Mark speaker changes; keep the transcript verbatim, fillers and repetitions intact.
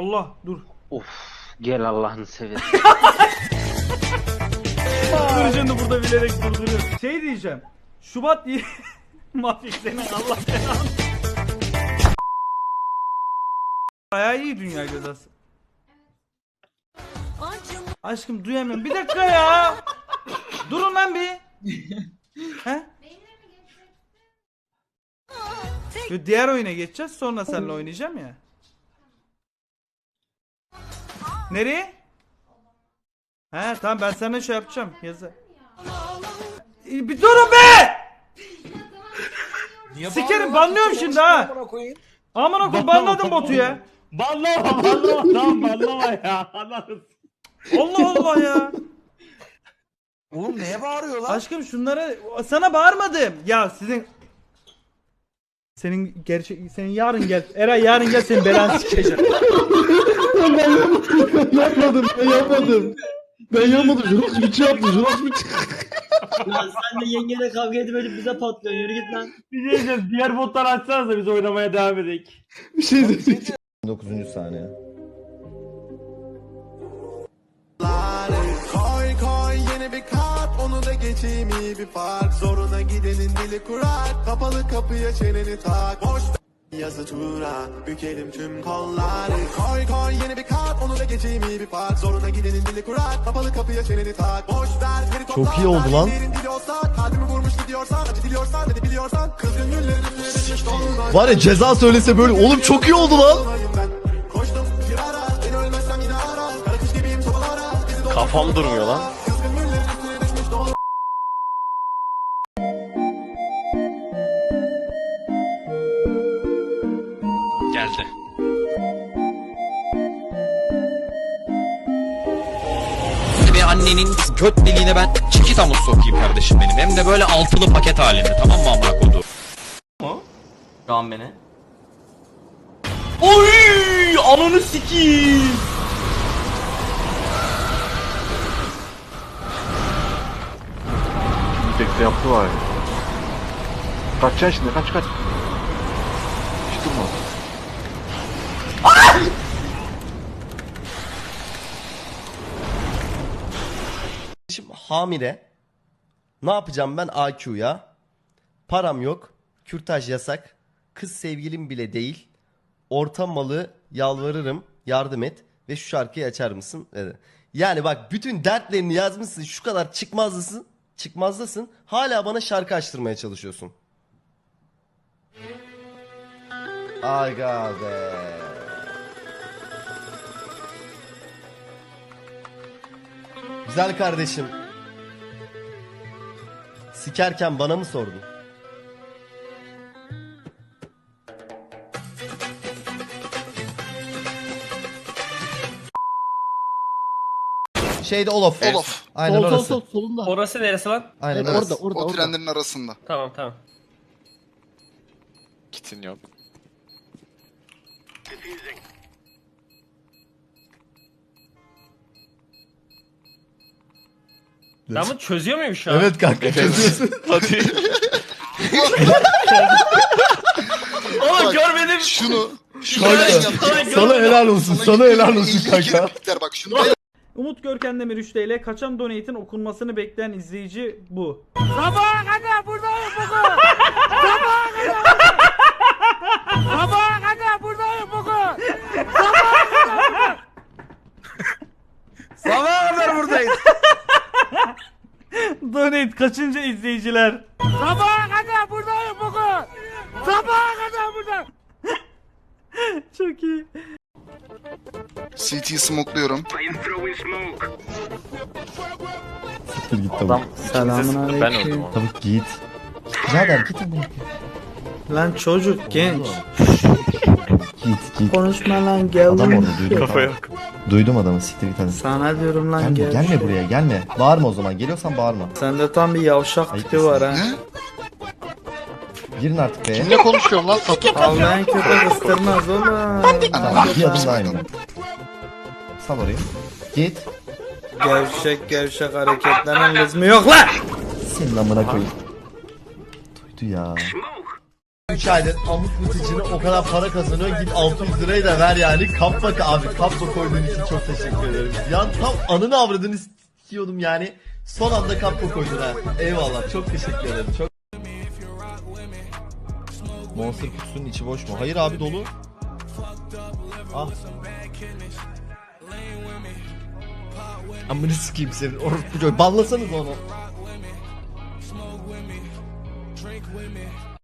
Speaker 1: Allah dur.
Speaker 2: Of gel Allah'ını seversen.
Speaker 1: Dur şimdi burada bilerek durduruyorum. Şey diyeceğim. Şubat diye Mafik senin Allah belanı. Bayağı iyi dünya gözası. Aşkım duyamıyorum. Bir dakika ya. Durun lan bir. He? Yo, diğer oyuna geçeceğiz. Sonra seninle oynayacağım ya. Nereye? He tamam ben sana şey yapacağım. Yazı. Ee, Bir durun be! Sikerim banlıyorum şimdi ha. Aman okul banladım botu ya.
Speaker 3: Banlama banlama tamam banlama ya. Anladın.
Speaker 1: Allah Allah ya.
Speaker 4: Oğlum neye bağırıyorlar?
Speaker 1: Aşkım şunlara sana bağırmadım. Ya sizin senin gerçek senin yarın gel. Eray yarın gel senin belanı sikeceğim.
Speaker 5: Ben yapmadım, ben yapmadım. Ben yapmadım. Jurox biçi yaptı, Jurox biçi.
Speaker 6: Lan sen de yengeyle kavga edip ölüp bize patlıyorsun. Yürü git lan.
Speaker 3: Bir şey diyeceğim. Diğer botları açsanız da biz oynamaya devam edelim.
Speaker 5: Bir şey dedi. dokuzuncu saniye.
Speaker 7: Koy koy yeni bir kart, onu da geçeyim iyi bir fark. Zoruna gidenin dili kurar, kapalı kapıya çeneni tak. Boş yazı tura, bükelim tüm kolları. Koy koy yeni bir kart, onu da geçeyim iyi bir fark. Zoruna gidenin dili kurar, kapalı kapıya çeneni tak. Boş ver geri topla.
Speaker 5: Çok iyi oldu lan.
Speaker 7: Dili olsa, kalbimi vurmuş gidiyorsan, acı diliyorsan, ne biliyorsan. Kız gönüllerin üstüne düşmüş dolunay.
Speaker 5: Var ya ceza söylese böyle. Oğlum çok iyi oldu lan.
Speaker 7: Koştum bir ara, beni ölmezsem yine ara. Kara kış gibiyim sobalara.
Speaker 8: Kafam durmuyor lan. Geldi.
Speaker 9: Ve annenin göt deliğine ben çikita mı sokayım kardeşim benim? Hem de böyle altılı paket halinde, tamam mı amına kodu?
Speaker 6: Şu an beni.
Speaker 3: Oy! Ananı sikiyim.
Speaker 8: Tekte yaptı var ya. Kaçacaksın şimdi, kaç kaç. Hiç durma.
Speaker 4: Şimdi hamile. Ne yapacağım ben A Q'ya? Param yok. Kürtaj yasak. Kız sevgilim bile değil. Orta malı yalvarırım. Yardım et. Ve şu şarkıyı açar mısın? Dedi. Yani bak bütün dertlerini yazmışsın. Şu kadar çıkmazlısın. Çıkmazdasın. Hala bana şarkı açtırmaya çalışıyorsun. Aga be. Güzel kardeşim. Sikerken bana mı sordun? Şeyde Olof.
Speaker 8: Olof.
Speaker 5: Aynen
Speaker 6: Sol, sol,
Speaker 5: orası.
Speaker 6: sol, solunda.
Speaker 3: Orası neresi lan?
Speaker 5: Aynen
Speaker 6: Evet,
Speaker 5: orası.
Speaker 6: orada, orada,
Speaker 8: O
Speaker 6: orada.
Speaker 8: trenlerin arasında.
Speaker 3: Tamam tamam.
Speaker 8: Kitin yok.
Speaker 3: Ben bunu çözüyor muyum şu an?
Speaker 5: Evet kanka çözüyorsun.
Speaker 8: Hadi.
Speaker 3: Oğlum görmedim.
Speaker 8: Şunu. Şunu
Speaker 5: Kanka,
Speaker 8: ben yapacağım.
Speaker 5: sana helal olsun. Sana helal olsun kanka.
Speaker 8: Biter bak şunu.
Speaker 1: Umut Görken Demir üç T L. Kaçan donate'in okunmasını bekleyen izleyici bu.
Speaker 4: Sabaha kadar buradayız.
Speaker 1: Donate kaçıncı izleyiciler? Sabaha kadar buradayım bugün. Sabaha kadar burada. Çok iyi.
Speaker 8: C T'yi smokluyorum.
Speaker 5: Siktir git tabii.
Speaker 1: Selamun
Speaker 8: Ben öldüm ama.
Speaker 5: Tabii git. Birader git ama.
Speaker 1: Lan çocuk genç.
Speaker 5: Git git.
Speaker 1: Konuşma lan gel.
Speaker 5: Adam orada duydum.
Speaker 8: Kafa yok.
Speaker 5: Duydum adamı siktir git hadi.
Speaker 1: Sana diyorum lan
Speaker 5: Gelme,
Speaker 1: gel.
Speaker 5: gelme buraya gelme. Bağırma o zaman. Geliyorsan bağırma.
Speaker 1: Sende tam bir yavşak
Speaker 5: Ayıp
Speaker 1: tipi var ha.
Speaker 8: Ne?
Speaker 5: Girin artık be.
Speaker 8: Kimle konuşuyorum lan? Satu.
Speaker 1: Avlayan köpek ıstırmaz oğlum.
Speaker 5: Tamam, bir adım daha inme. Sal orayı. Git.
Speaker 1: Gevşek gevşek hareketlerin lüzumu yok lan.
Speaker 5: Senin amına koyayım. Duydu ya.
Speaker 4: üç aydır amut mutıcını o kadar para kazanıyor, git altı yüz lirayı da ver yani. Kappa abi, kappa koyduğun için çok teşekkür ederim. Ya tam anını avradını istiyordum yani. Son anda kappa koydun ha. Eyvallah, çok teşekkür ederim. Çok... Monster kutusunun içi boş mu? Hayır abi, dolu. Ah. Amını sikeyim senin orospu çocuğu. Banlasanız onu.